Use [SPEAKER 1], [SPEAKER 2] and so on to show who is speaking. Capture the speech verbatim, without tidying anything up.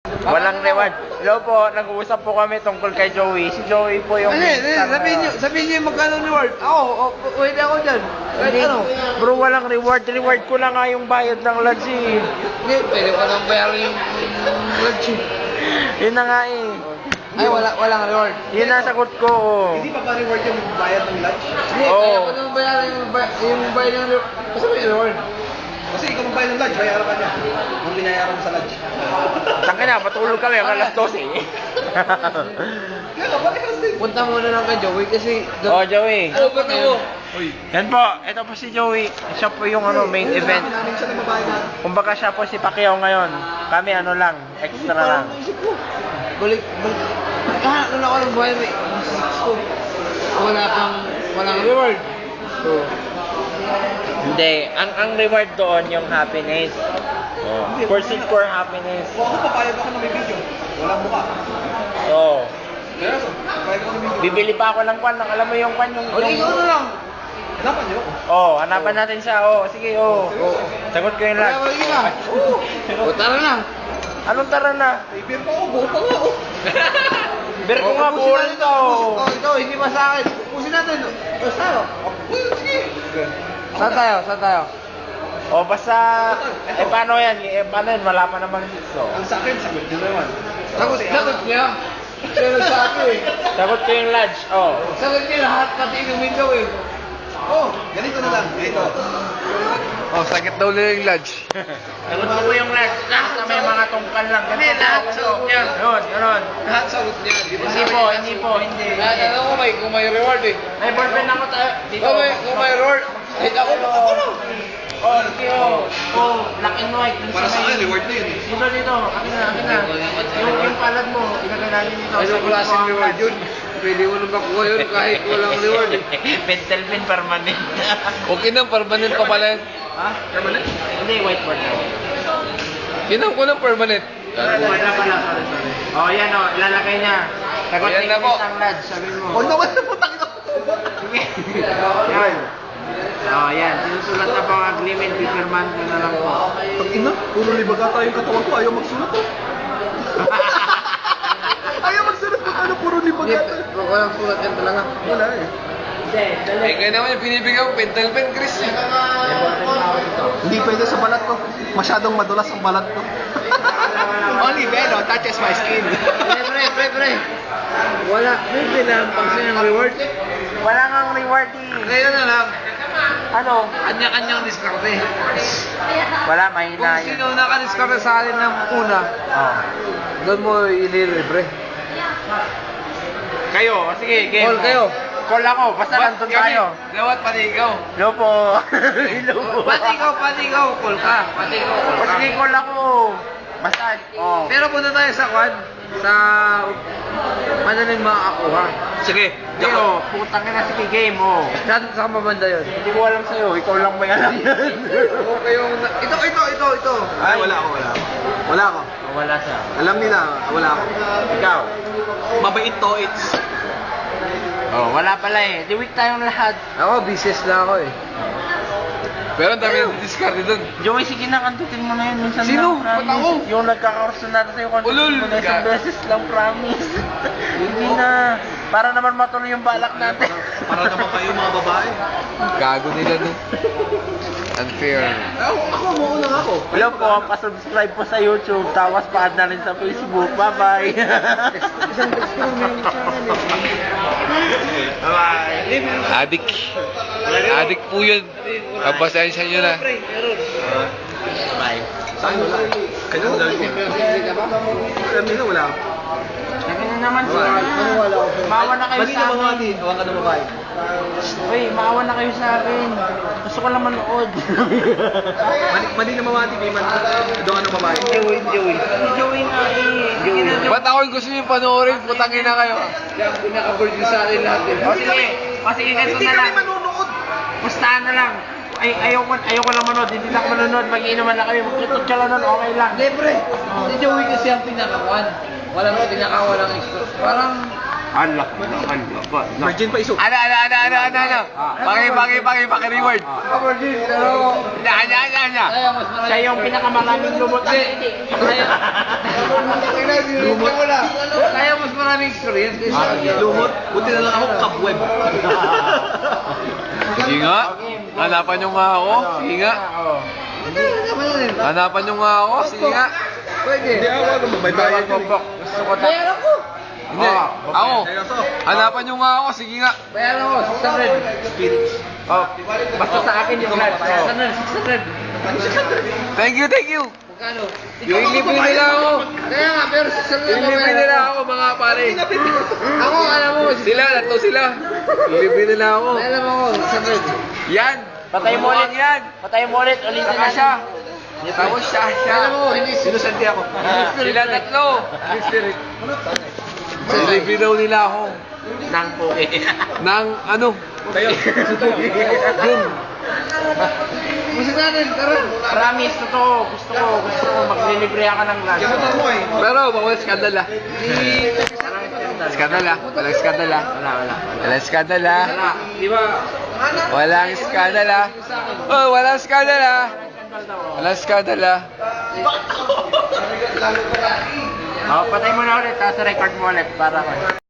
[SPEAKER 1] Walang reward. Hello po, nag-uusap po kami tungkol kay Joey. Si Joey po yung...
[SPEAKER 2] Hindi, hindi, sabihin nyo, sabihin nyo yung magkano reward. Ako, oh, pwede ako dyan. Kahit
[SPEAKER 1] Hindi,
[SPEAKER 2] ano.
[SPEAKER 1] bro, walang reward. Reward ko lang nga yung bayad ng lodge eh.
[SPEAKER 2] Hindi, pwede ko nang bayaran yung lunch.
[SPEAKER 1] Yun na nga eh.
[SPEAKER 2] Ay, wala, walang reward.
[SPEAKER 1] Yun ang sagot ko. Oh.
[SPEAKER 3] Hindi pa ba reward yung bayad ng lunch?
[SPEAKER 2] Hindi,
[SPEAKER 1] Oo.
[SPEAKER 2] kaya ko nang bayaran yung, ba- yung bayad ng reward. Basta may reward.
[SPEAKER 3] Kasi ikaw magbayad ng lunch, bayaran ka niya. Kung binayaran mo sa lunch.
[SPEAKER 1] Tangka na, patulog kami ang alas dose eh.
[SPEAKER 3] Kaya ka, bakit kasi?
[SPEAKER 2] Punta muna lang kay Joey kasi...
[SPEAKER 1] Oh, Joey.
[SPEAKER 2] Ano ba mo?
[SPEAKER 3] Uy,
[SPEAKER 1] Yan po, ito po si Joey. Siya po yung ano, main event.
[SPEAKER 3] namin siya na mabayad na.
[SPEAKER 1] Kumbaga siya po si Pacquiao ngayon. Kami ano lang, extra lang.
[SPEAKER 2] Balik, balik. Ah, ano ako ng bayad eh. So, wala pang, walang reward. So,
[SPEAKER 1] Hindi, ang ang reward doon yung happiness. Oh. Pursuit for happiness.
[SPEAKER 3] Kung ako papayag ako na may video, walang mukha.
[SPEAKER 1] Oh.
[SPEAKER 3] Kaya so, papayag ako na may video.
[SPEAKER 1] Bibili pa ako ng kwan, ng, alam mo yung kwan yung...
[SPEAKER 2] o ikaw na lang.
[SPEAKER 3] Hanapan niyo ako.
[SPEAKER 1] Oh, hanapan natin siya. Oh, sige, oh. oh. Sagot ko yung
[SPEAKER 2] Wala
[SPEAKER 1] lag.
[SPEAKER 2] ba yun na? O tara na.
[SPEAKER 1] Anong tara na?
[SPEAKER 3] May beer pa ako, buo pa nga ako.
[SPEAKER 1] Beer ko nga,
[SPEAKER 2] Ubusin
[SPEAKER 1] buol
[SPEAKER 2] natin
[SPEAKER 1] to.
[SPEAKER 2] ubusin- Oh, ito, hindi pa sa akin. Ubusin natin. O, sa'yo.
[SPEAKER 3] Sige.
[SPEAKER 2] Saan tayo? Saan tayo?
[SPEAKER 1] Oh, basta... Eh, paano yan? Eh, paano yan? Wala pa namang so.
[SPEAKER 3] Ang sa akin, sagot niyo naman.
[SPEAKER 2] Sagot, sagot niya. Siya nagsabi eh.
[SPEAKER 1] Sagot ko yung lodge. Oh.
[SPEAKER 2] Sagot niya lahat pati inumin daw eh.
[SPEAKER 3] Oh, ganito na lang. Ito.
[SPEAKER 2] Oh, sakit daw nila yung lodge.
[SPEAKER 1] Sagot ko po yung lodge. Basta may mga tungkal lang.
[SPEAKER 2] Hindi, lahat sagot niya.
[SPEAKER 1] Yun, yun.
[SPEAKER 2] Lahat sagot niya. Di ba
[SPEAKER 1] Hindi po, hindi po, hindi.
[SPEAKER 2] Lahat alam ko may, kung may reward eh.
[SPEAKER 1] May ballpen ako tayo. Dito.
[SPEAKER 2] Kung may, kung may reward, kahit ako, ako lang.
[SPEAKER 1] Oh, sige, oh. Oh, black and white. Dun
[SPEAKER 3] Para sa
[SPEAKER 1] may-
[SPEAKER 3] akin, reward na yun.
[SPEAKER 1] Dito, dito. Akin na, akin na. Yung, yung palad mo, ilagay natin dito.
[SPEAKER 2] Ano
[SPEAKER 1] Sagot ko
[SPEAKER 2] klaseng
[SPEAKER 1] ang
[SPEAKER 2] reward
[SPEAKER 1] lodge.
[SPEAKER 2] yun? Pwede mo na makuha yun kahit walang reward eh.
[SPEAKER 1] Pentel pen permanent.
[SPEAKER 2] Okay na, permanent pa pala yun.
[SPEAKER 1] Ha? Permanent? Hindi, whiteboard na.
[SPEAKER 2] Kinan ko ng permanent.
[SPEAKER 1] Wala pala, sorry, sorry. Oh, yan oh, ilalagay niya. Sagot
[SPEAKER 2] Ayan
[SPEAKER 1] ni
[SPEAKER 2] na po.
[SPEAKER 1] Chris ang lodge, sabi mo.
[SPEAKER 3] Oh, naman na putang ito.
[SPEAKER 1] Sige. Yan. Oh, yan. Sinusulat na po ang agreement, pipirman ko na lang po.
[SPEAKER 3] Pag ina, puro libaga tayo yung katawan ko, ayaw magsulat ko. Ayaw magsulat ko, ano, puro libaga tayo.
[SPEAKER 2] Walang sulat yan talaga.
[SPEAKER 3] Wala eh.
[SPEAKER 1] Hindi, dali.
[SPEAKER 2] Eh, kaya naman yung binibigyan ko, pentel pen, Chris.
[SPEAKER 3] Hindi pwede sa balat ko. Masyadong madulas ang balat ko. Only Velo touches my skin.
[SPEAKER 2] Pre, pre, pre, pre. Wala, may pinampang siya ng reward.
[SPEAKER 1] Wala ngang reward eh.
[SPEAKER 2] Ngayon na lang,
[SPEAKER 1] Ano?
[SPEAKER 2] kanya-kanyang diskarte.
[SPEAKER 1] Wala,
[SPEAKER 2] Kung
[SPEAKER 1] mahina yun.
[SPEAKER 2] sino nakadiskarte sa akin ng una,
[SPEAKER 1] Oh.
[SPEAKER 2] doon mo ililibre.
[SPEAKER 1] Kayo, oh, sige, game.
[SPEAKER 2] Call kayo.
[SPEAKER 1] Call ako, basta nandun tayo.
[SPEAKER 2] Gawat, pati ikaw.
[SPEAKER 1] Hello po. Hello po.
[SPEAKER 2] Pati ikaw, pati ikaw, call ka. Pati ikaw, call
[SPEAKER 1] O
[SPEAKER 2] ka.
[SPEAKER 1] sige, call ako. Basta, oh.
[SPEAKER 2] Pero punta tayo sa kwan, sa madaling makakakuha. Sige,
[SPEAKER 1] Hindi, oh, putang ina, sige, game, oh.
[SPEAKER 2] Saan sa mabanda yun?
[SPEAKER 1] Hindi ko alam sa'yo, ikaw lang may alam yan.
[SPEAKER 2] Okay yung... Ito, ito, ito, ito.
[SPEAKER 3] Ay, wala ako, wala ako. Wala ako.
[SPEAKER 1] Oh, wala siya.
[SPEAKER 3] Alam nila, wala ako.
[SPEAKER 1] Ikaw.
[SPEAKER 3] Mabait to, it's...
[SPEAKER 1] Oh, wala pala eh. Di week tayong lahat.
[SPEAKER 2] Ako, business lang ako eh. Pero ang dami ng discard doon.
[SPEAKER 1] Joey, sige na, kantutin mo na yun. Minsan
[SPEAKER 2] Sino?
[SPEAKER 1] lang, promise.
[SPEAKER 2] Ba't ako?
[SPEAKER 1] Yung nagkakaroon na sa'yo, kantutin
[SPEAKER 2] Ulul!
[SPEAKER 1] mo na isang
[SPEAKER 2] Ga-
[SPEAKER 1] beses lang, promise. Hindi na. Para naman matuloy yung balak natin.
[SPEAKER 3] Para naman kayo mga babae.
[SPEAKER 2] Gago nila doon. Unfair.
[SPEAKER 3] Ako, ako, mauna nga ako.
[SPEAKER 1] Hello po, pa-subscribe po sa YouTube, tapos pa-add na rin sa Facebook. Bye-bye!
[SPEAKER 2] Isang text ko lang meron sa akin eh.
[SPEAKER 1] Bye-bye!
[SPEAKER 2] Adik. Adik po yun. Pagpasensya nyo na.
[SPEAKER 1] Bye!
[SPEAKER 3] Saan wala? Kanya ko dahil ko. Alam nila, wala ako.
[SPEAKER 1] Lagi na naman siya. Maawa na kayo
[SPEAKER 3] Mali
[SPEAKER 1] sa
[SPEAKER 3] na mga
[SPEAKER 1] akin.
[SPEAKER 3] ati, awan ka na babae.
[SPEAKER 1] Uy, maawa na kayo sa akin. Gusto ko lang manood.
[SPEAKER 3] Mali, mali na mamati, may man. Doon ano babae.
[SPEAKER 1] Joey, Joey. Si Joey nga eh. Joey.
[SPEAKER 2] Ba't ako yung gusto nyo panoorin? Putangin na kayo. Kaya pinaka-board nyo sa akin lahat eh.
[SPEAKER 1] O sige, o sige, ganito
[SPEAKER 3] Hindi
[SPEAKER 1] na
[SPEAKER 3] kami
[SPEAKER 1] lang.
[SPEAKER 3] manunood.
[SPEAKER 1] Pustahan na lang. Ay, ayaw ko, ayaw ko lang manood. Hindi lang ako manonood. Mag-iinuman lang kami. Magtutot ka lang nun. Okay lang.
[SPEAKER 2] Libre. Si Joey kasi ang pinakakuan. Walang pinakawalang extra. Parang Unlock mo na, unlock mo.
[SPEAKER 3] Virgin pa iso.
[SPEAKER 2] Ano, ano, ano, ano, ano, ano? Paki, paki, paki, paki, reward.
[SPEAKER 3] Ah, virgin, pero...
[SPEAKER 2] Ano, ano, ano, ano?
[SPEAKER 1] Siya yung pinakamaraming lumot.
[SPEAKER 3] Lumot.
[SPEAKER 2] Kaya mas maraming experience kaysa
[SPEAKER 3] Ah, lumot. Buti na lang ako kabweb.
[SPEAKER 2] Sige nga. Hanapan nyo nga ako. Sige nga. Hanapan nyo nga ako. Sige nga.
[SPEAKER 3] Pwede. Hindi ako, ano, mabaybayan ko.
[SPEAKER 1] Gusto ko ta-
[SPEAKER 2] Hindi. Ako. Hanapan nyo nga ako. Sige nga.
[SPEAKER 1] Bayaran ko, six hundred. Oh, basta sa akin yung lahat. six hundred, six hundred.
[SPEAKER 2] Thank you, thank you.
[SPEAKER 1] Magkano?
[SPEAKER 2] Ililibre nila ako.
[SPEAKER 1] Kaya nga, pero six hundred.
[SPEAKER 2] Ililibre nila ako mga pare.
[SPEAKER 1] Ako, alam mo,
[SPEAKER 2] Sila, tatlo sila. Ililibre nila ako.
[SPEAKER 1] alam mo, six hundred.
[SPEAKER 2] Yan.
[SPEAKER 1] Patay mo ulit
[SPEAKER 2] yan.
[SPEAKER 1] Patay mo ulit, ulitin
[SPEAKER 2] Saka siya. Tapos siya, siya.
[SPEAKER 1] Alam mo, hindi
[SPEAKER 3] Sinusanti ako.
[SPEAKER 2] Sila tatlo. Ililibre daw nila ako.
[SPEAKER 1] Nang puke.
[SPEAKER 2] Nang ano?
[SPEAKER 3] Tayo.
[SPEAKER 2] Jun.
[SPEAKER 1] Gusto natin, tara. Promise, totoo. Gusto ko, gusto ko. Maglilibre ka ng lunch.
[SPEAKER 3] Motor mo eh.
[SPEAKER 2] Pero bawal skandal ah. Skandal ah. Walang skandal ah.
[SPEAKER 1] Wala, wala.
[SPEAKER 2] Walang skandal ah.
[SPEAKER 1] Wala. Di ba?
[SPEAKER 2] Walang skandal ah. Oh, walang skandal ah. Walang skandal ah.
[SPEAKER 1] Oh, patay mo na ulit, tapos record mo ulit para